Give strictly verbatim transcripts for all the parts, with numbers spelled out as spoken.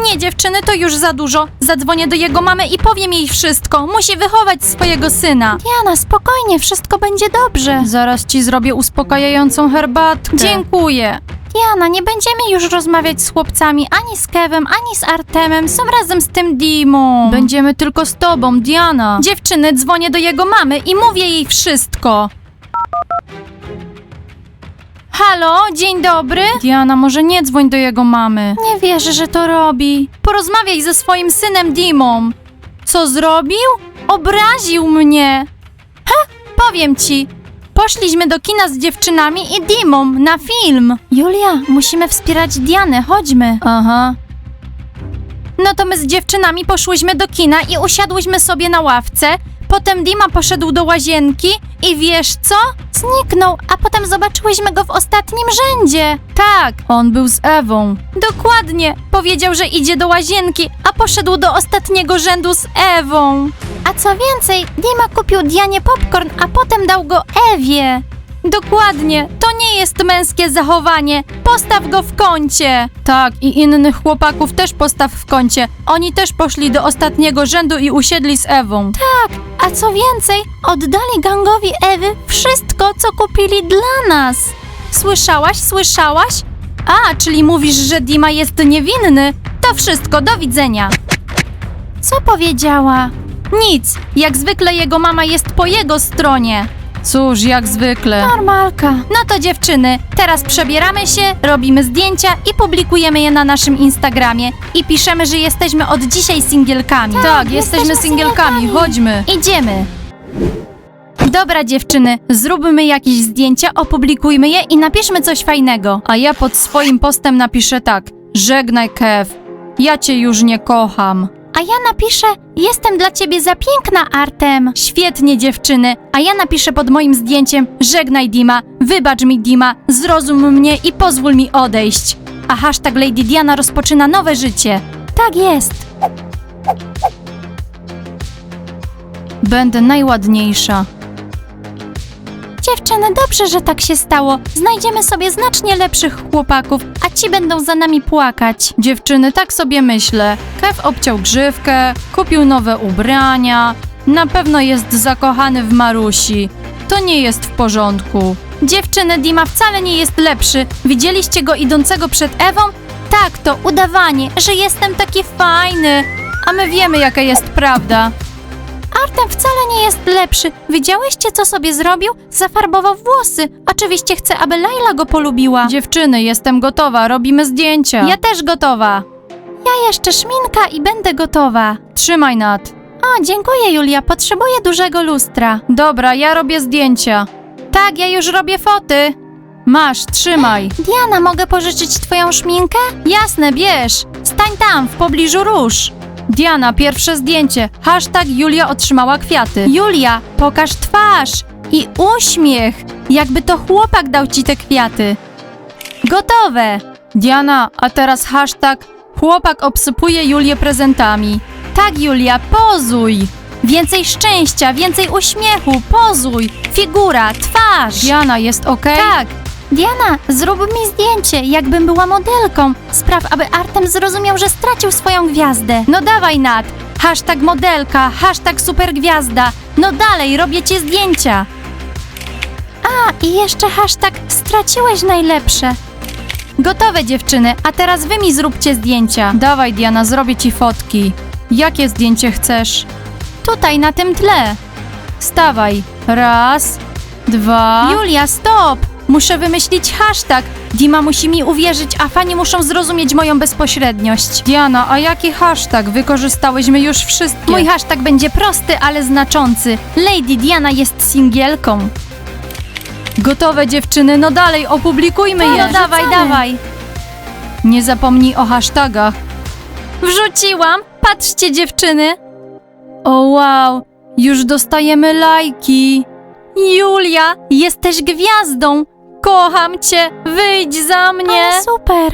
Nie, dziewczyny, to już za dużo. Zadzwonię do jego mamy i powiem jej wszystko. Musi wychować swojego syna. Diana, spokojnie, wszystko będzie dobrze. Zaraz ci zrobię uspokajającą herbatkę. Dziękuję. Diana, nie będziemy już rozmawiać z chłopcami, ani z Kevem, ani z Artemem. Są razem z tym Dimą. Będziemy tylko z tobą, Diana. Dziewczyny, dzwonię do jego mamy i mówię jej wszystko. Halo, dzień dobry. Diana, może nie dzwoń do jego mamy. Nie wierzę, że to robi. Porozmawiaj ze swoim synem Dimą. Co zrobił? Obraził mnie. Ha, powiem ci. Poszliśmy do kina z dziewczynami i Dimą na film. Julia, musimy wspierać Dianę, chodźmy. Aha. No to my z dziewczynami poszłyśmy do kina i usiadłyśmy sobie na ławce. Potem Dima poszedł do łazienki i wiesz co? Zniknął, a potem zobaczyłyśmy go w ostatnim rzędzie. Tak, on był z Ewą. Dokładnie, powiedział, że idzie do łazienki, a poszedł do ostatniego rzędu z Ewą. A co więcej, Dima kupił Dianie popcorn, a potem dał go Ewie. Dokładnie, to nie jest męskie zachowanie. Postaw go w kącie. Tak, i innych chłopaków też postaw w kącie. Oni też poszli do ostatniego rzędu i usiedli z Ewą. Tak, a co więcej, oddali gangowi Ewy wszystko, co kupili dla nas. Słyszałaś, słyszałaś? A, czyli mówisz, że Dima jest niewinny? To wszystko, do widzenia. Co powiedziała? Nic, jak zwykle jego mama jest po jego stronie. Cóż, jak zwykle. Normalka. No to dziewczyny, teraz przebieramy się, robimy zdjęcia i publikujemy je na naszym Instagramie. I piszemy, że jesteśmy od dzisiaj singielkami. Tak, tak jesteśmy, jesteśmy singielkami, singielkami, chodźmy. Idziemy. Dobra dziewczyny, zróbmy jakieś zdjęcia, opublikujmy je i napiszmy coś fajnego. A ja pod swoim postem napiszę tak. Żegnaj, Kev. Ja cię już nie kocham. A ja napiszę, jestem dla ciebie za piękna, Artem. Świetnie, dziewczyny. A ja napiszę pod moim zdjęciem, żegnaj, Dima, wybacz mi, Dima, zrozum mnie i pozwól mi odejść. A hashtag Lady Diana rozpoczyna nowe życie. Tak jest. Będę najładniejsza. Dziewczyny, dobrze, że tak się stało. Znajdziemy sobie znacznie lepszych chłopaków, a ci będą za nami płakać. Dziewczyny, tak sobie myślę. Kev obciął grzywkę, kupił nowe ubrania. Na pewno jest zakochany w Marusi. To nie jest w porządku. Dziewczyny, Dima wcale nie jest lepszy. Widzieliście go idącego przed Ewą? Tak, to udawanie, że jestem taki fajny. A my wiemy, jaka jest prawda. Artem wcale nie jest lepszy. Widziałyście, co sobie zrobił? Zafarbował włosy. Oczywiście chcę, aby Laila go polubiła. Dziewczyny, jestem gotowa, robimy zdjęcia. Ja też gotowa. Ja jeszcze szminka i będę gotowa. Trzymaj, Nat. O, dziękuję, Julia. Potrzebuję dużego lustra. Dobra, ja robię zdjęcia. Tak, ja już robię foty. Masz, trzymaj. Diana, mogę pożyczyć twoją szminkę? Jasne, bierz. Stań tam, w pobliżu róż. Diana, pierwsze zdjęcie. Hashtag Julia otrzymała kwiaty. Julia, pokaż twarz i uśmiech. Jakby to chłopak dał ci te kwiaty. Gotowe. Diana, a teraz hashtag chłopak obsypuje Julię prezentami. Tak, Julia, pozuj. Więcej szczęścia, więcej uśmiechu, pozuj. Figura, twarz. Diana, jest okej? Tak. Diana, zrób mi zdjęcie, jakbym była modelką. Spraw, aby Artem zrozumiał, że stracił swoją gwiazdę. No dawaj, Nat. Hashtag modelka, hashtag supergwiazda. No dalej, robię ci zdjęcia. A, i jeszcze hashtag straciłeś najlepsze. Gotowe, dziewczyny, a teraz wy mi zróbcie zdjęcia. Dawaj, Diana, zrobię ci fotki. Jakie zdjęcie chcesz? Tutaj, na tym tle. Stawaj. Raz, dwa... Julia, stop! Muszę wymyślić hashtag. Dima musi mi uwierzyć, a fani muszą zrozumieć moją bezpośredniość. Diana, a jaki hashtag? Wykorzystałyśmy już wszystkie. Mój hashtag będzie prosty, ale znaczący. Lady Diana jest singielką. Gotowe, dziewczyny, no dalej, opublikujmy je. No dawaj, dawaj. Nie zapomnij o hashtagach. Wrzuciłam. Patrzcie, dziewczyny. O wow, już dostajemy lajki. Julia, jesteś gwiazdą. Kocham cię, wyjdź za mnie. Ale super.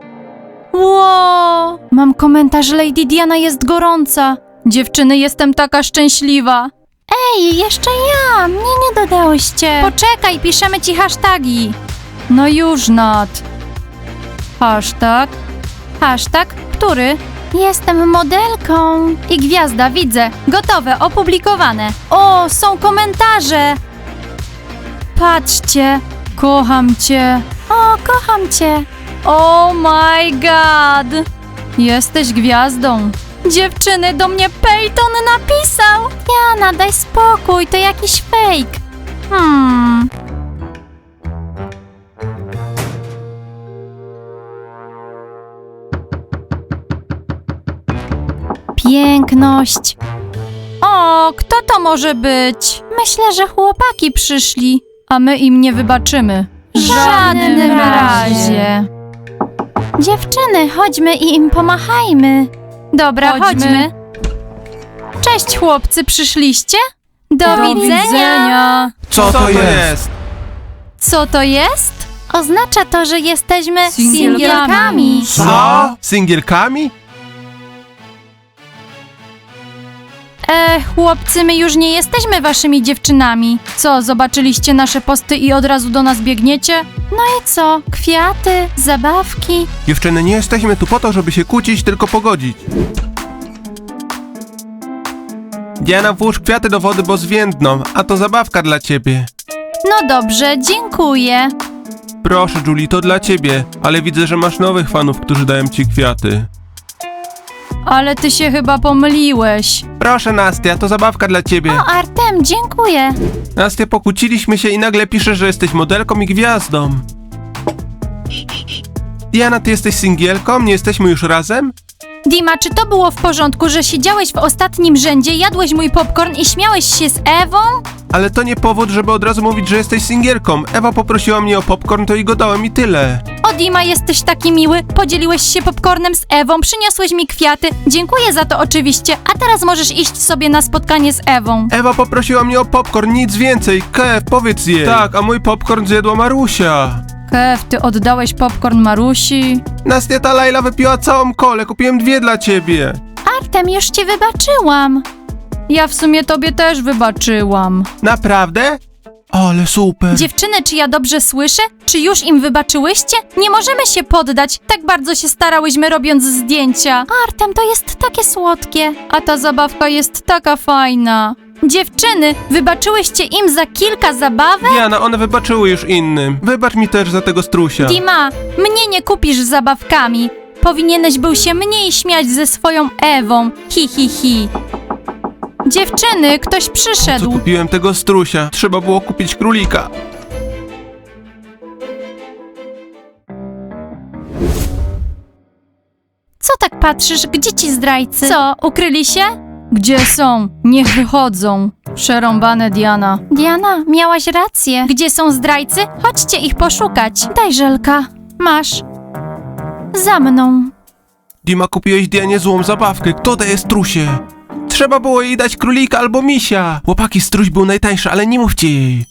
Wow. Mam komentarz, Lady Diana jest gorąca. Dziewczyny, jestem taka szczęśliwa. Ej, jeszcze ja, mnie nie dodałyście. Poczekaj, piszemy ci hasztagi. No już, Nat. Hashtag, hashtag Który? Jestem modelką. I gwiazda, widzę. Gotowe, opublikowane. O, są komentarze. Patrzcie. Kocham cię. O, kocham cię. Oh my god. Jesteś gwiazdą. Dziewczyny, do mnie Peyton napisał. Jana, daj spokój, to jakiś fake. Hmm. Piękność. O, kto to może być? Myślę, że chłopaki przyszli. A my im nie wybaczymy. W żadnym razie. Dziewczyny, chodźmy i im pomachajmy. Dobra, chodźmy. chodźmy. Cześć chłopcy, przyszliście? Do, Do widzenia. widzenia. Co to jest? Co to jest? Oznacza to, że jesteśmy Singielkami. singielkami. Co? Singielkami? E, chłopcy, my już nie jesteśmy waszymi dziewczynami. Co, zobaczyliście nasze posty i od razu do nas biegniecie? No i co? Kwiaty, zabawki. Dziewczyny, nie jesteśmy tu po to, żeby się kłócić, tylko pogodzić. Diana, włóż kwiaty do wody, bo zwiędną, a to zabawka dla ciebie. No dobrze, dziękuję. Proszę, Julie, to dla ciebie, ale widzę, że masz nowych fanów, którzy dają ci kwiaty. Ale ty się chyba pomyliłeś. Proszę, Nastia, to zabawka dla ciebie. O, Artem, dziękuję. Nastia, pokłóciliśmy się i nagle piszesz, że jesteś modelką i gwiazdą. Diana, ty jesteś singielką? Nie jesteśmy już razem? Dima, czy to było w porządku, że siedziałeś w ostatnim rzędzie, jadłeś mój popcorn i śmiałeś się z Ewą? Ale to nie powód, żeby od razu mówić, że jesteś singielką. Ewa poprosiła mnie o popcorn, to i go dałem i tyle. O, Dima, jesteś taki miły. Podzieliłeś się popcornem z Ewą, przyniosłeś mi kwiaty. Dziękuję za to oczywiście, a teraz możesz iść sobie na spotkanie z Ewą. Ewa poprosiła mnie o popcorn, nic więcej. Kev, powiedz jej. Tak, a mój popcorn zjadła Marusia. Kev, ty oddałeś popcorn Marusi? Nastia, ta Laila wypiła całą kolę, kupiłem dwie dla ciebie. Artem, już ci wybaczyłam. Ja w sumie tobie też wybaczyłam. Naprawdę? Ale super. Dziewczyny, czy ja dobrze słyszę? Czy już im wybaczyłyście? Nie możemy się poddać. Tak bardzo się starałyśmy robiąc zdjęcia. Artem, to jest takie słodkie. A ta zabawka jest taka fajna. Dziewczyny, wybaczyłyście im za kilka zabawek? Diana, one wybaczyły już innym. Wybacz mi też za tego strusia. Dima, mnie nie kupisz zabawkami. Powinieneś był się mniej śmiać ze swoją Ewą. Hi, hi, hi. Dziewczyny, ktoś Co przyszedł. kupiłem tego strusia? Trzeba było kupić królika. Co tak patrzysz? Gdzie ci zdrajcy? Co, ukryli się? Gdzie są? Niech wychodzą. Przerąbane, Diana. Diana, miałaś rację. Gdzie są zdrajcy? Chodźcie ich poszukać. Daj żelka. Masz. Za mną. Dima, kupiłeś Dianie złą zabawkę. Kto daje strusie? Trzeba było jej dać królika albo misia. Chłopaki, struś był najtańszy, ale nie mówcie jej.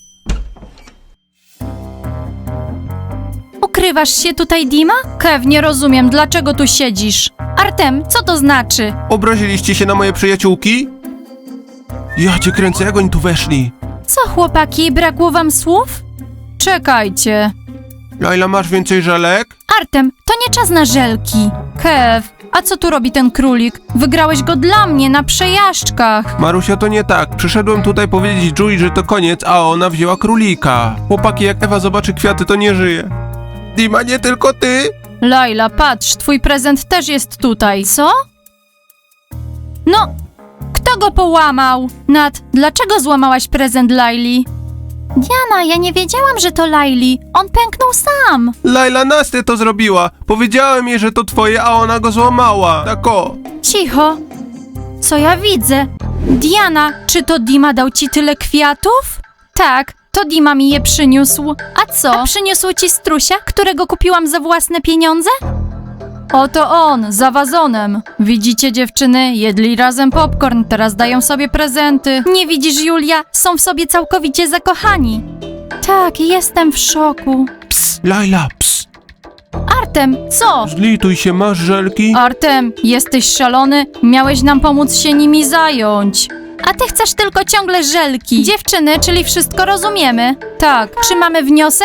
Ukrywasz się tutaj, Dima? Kev, nie rozumiem, dlaczego tu siedzisz? Artem, co to znaczy? Obraziliście się na moje przyjaciółki? Ja cię kręcę, jak oni tu weszli? Co, chłopaki, brakło wam słów? Czekajcie. Laila, masz więcej żelek? Artem, to nie czas na żelki. Kev, a co tu robi ten królik? Wygrałeś go dla mnie na przejażdżkach. Marusia, to nie tak. Przyszedłem tutaj powiedzieć Julie, że to koniec, a ona wzięła królika. Chłopaki, jak Ewa zobaczy kwiaty, to nie żyje. Dima, nie tylko ty? Laila, patrz, twój prezent też jest tutaj. Co? No, kto go połamał? Nat, dlaczego złamałaś prezent Laili? Diana, ja nie wiedziałam, że to Laili. On pęknął sam. Laila, Nastia to zrobiła. Powiedziałem jej, że to twoje, a ona go złamała. Tak o. Cicho. Co ja widzę? Diana, czy to Dima dał ci tyle kwiatów? Tak, to Dima mi je przyniósł. A co? A przyniósł ci strusia, którego kupiłam za własne pieniądze? Oto on, za wazonem. Widzicie, dziewczyny? Jedli razem popcorn, teraz dają sobie prezenty. Nie widzisz, Julia? Są w sobie całkowicie zakochani. Tak, jestem w szoku. Ps, Laila, ps. Artem, co? Zlituj się, masz żelki? Artem, jesteś szalony? Miałeś nam pomóc się nimi zająć. A ty chcesz tylko ciągle żelki. Dziewczyny, czyli wszystko rozumiemy. Tak. Czy mamy wniosek?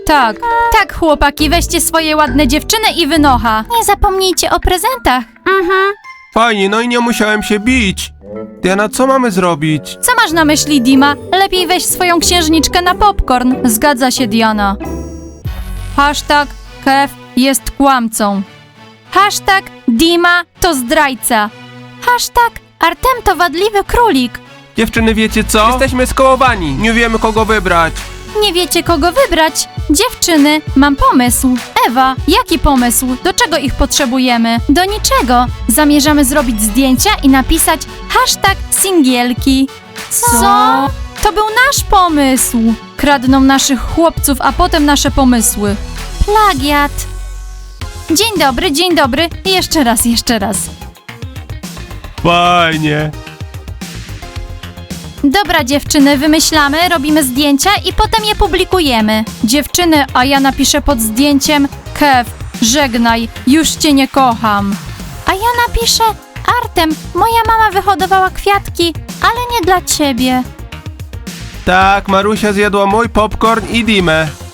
Tak, tak chłopaki, weźcie swoje ładne dziewczyny i wynocha. Nie zapomnijcie o prezentach. Mhm. Fajnie, no i nie musiałem się bić. Diana, co mamy zrobić? Co masz na myśli, Dima? Lepiej weź swoją księżniczkę na popcorn. Zgadza się, Diana. Hashtag Kev jest kłamcą. Hashtag Dima to zdrajca. Hashtag Artem to wadliwy królik. Dziewczyny, wiecie co? Jesteśmy skołowani, nie wiemy kogo wybrać. Nie wiecie kogo wybrać? Dziewczyny, mam pomysł. Ewa, jaki pomysł? Do czego ich potrzebujemy? Do niczego. Zamierzamy zrobić zdjęcia i napisać hashtag singielki. Co? To był nasz pomysł. Kradną naszych chłopców, a potem nasze pomysły. Plagiat. Dzień dobry, dzień dobry. Jeszcze raz, jeszcze raz. Fajnie. Dobra dziewczyny, wymyślamy, robimy zdjęcia i potem je publikujemy. Dziewczyny, a ja napiszę pod zdjęciem Kev, żegnaj, już cię nie kocham. A ja napiszę Artem, moja mama wyhodowała kwiatki, ale nie dla ciebie. Tak, Marusia zjadła mój popcorn i Dimę.